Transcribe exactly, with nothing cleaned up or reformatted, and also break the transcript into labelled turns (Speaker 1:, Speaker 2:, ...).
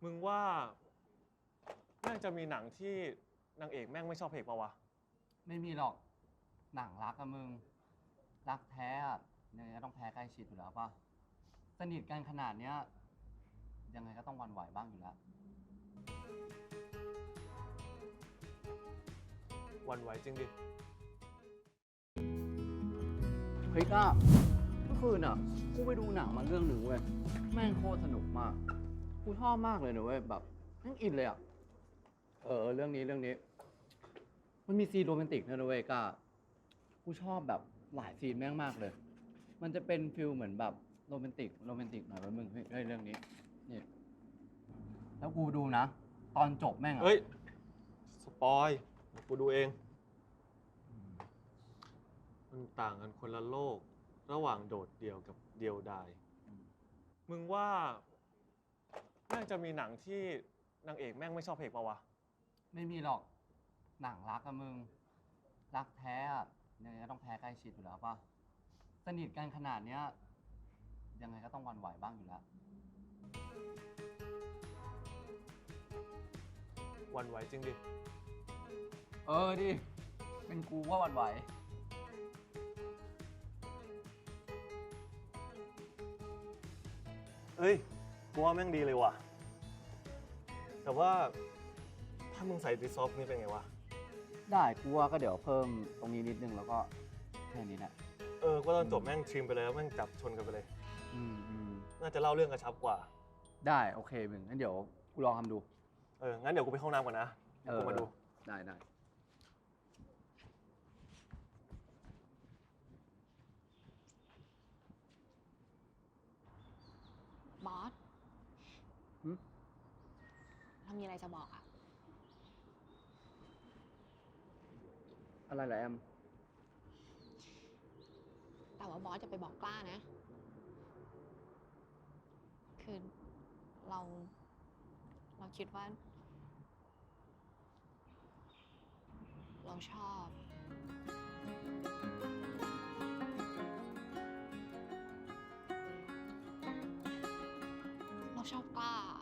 Speaker 1: มึงว่าแม่งจะมีหนังที่นางเอกแม่งไม่ชอบพระเอกปะวะ
Speaker 2: ไม่มีหรอกหนังรักอะมึงรักแท้อะยังไงก็ต้องแพ้ใกล้ชิดอยู่แล้วป่ะสนิทกันขนาดเนี้ยยังไงก็ต้องหวั่นไหวบ้างอยู่แล้ว
Speaker 1: หวันไหวจริงดิ
Speaker 2: เฮ้ยก้าเมื่อคืนอ่ะกูไปดูหนังมาเรื่องหนึ่งเว้ยแม่งโคตรสนุกมากกูชอบมากเลยนะเว้ยแบบแม่งอินเลยอ่ะเออเรื่องนี้เรื่องนี้ มันมีซีนโรแมนติกนะเว้ยก้ากูชอบแบบหลายซีนแม่งมากเลย มันจะเป็นฟิลเหมือนแบบโรแมนติกโรแมนติกหน่อยเว้ยมึงเฮ้ยเรื่องนี้นี่แล้วกูดูนะ ตอนจบแม่งอ่ะ
Speaker 1: เฮ้ยสปอยเดี๋ยวกูดูเองมันต่างกันคนละโลก ระหว่างโดดเดี่ยวกับเดียวดายมึงว่าแม่งจะมีหนังที่นางเอกแม่งไม่ชอบพระเอกปะวะ
Speaker 2: ไม่มีหรอกหนังรักอะมึงรักแท้อะยังไงก็ต้องแพ้ใกล้ชิดอยู่แล้วป่ะสนิทกันขนาดเนี้ยยังไงก็ต้องหวั่นไหวบ้างอยู่แล้ว
Speaker 1: หวันไหวจริงดิ
Speaker 2: เออดิเป็นกูว่าหวั่นไหว
Speaker 1: เอ้ยกูว่าแม่งดีเลยว่ะแต่ว่าถ้ามึงใส่ดิซอฟนี่เป็นไงวะ
Speaker 2: ได้กูว่าก็เดี๋ยวเพิ่มตรงนี้นิดนึงแล้วก็แค่นี้แหละ
Speaker 1: เออก็ตอนจบแม่งทริมไปเลยแล้วแม่งจับชนกันไปเลย
Speaker 2: อืมอืม
Speaker 1: น่าจะเล่าเรื่องกระชับกว่า
Speaker 2: ได้โอเคมึงงั้นเดี๋ยวกูลองทำดู
Speaker 1: เออ งั้นเดี๋ยวกูไปเข้าห้องน้ำก่อนนะเดี๋ยวกูมาดู
Speaker 2: ได้ได้
Speaker 3: บอสเรามีอะไรจะบอกอะ
Speaker 2: อะไรเหรอแอม
Speaker 3: แต่ว่าบอสจะไปบอกกล้านะ คือเรา เราคิดว่า เราชอบ เราชอบกล้า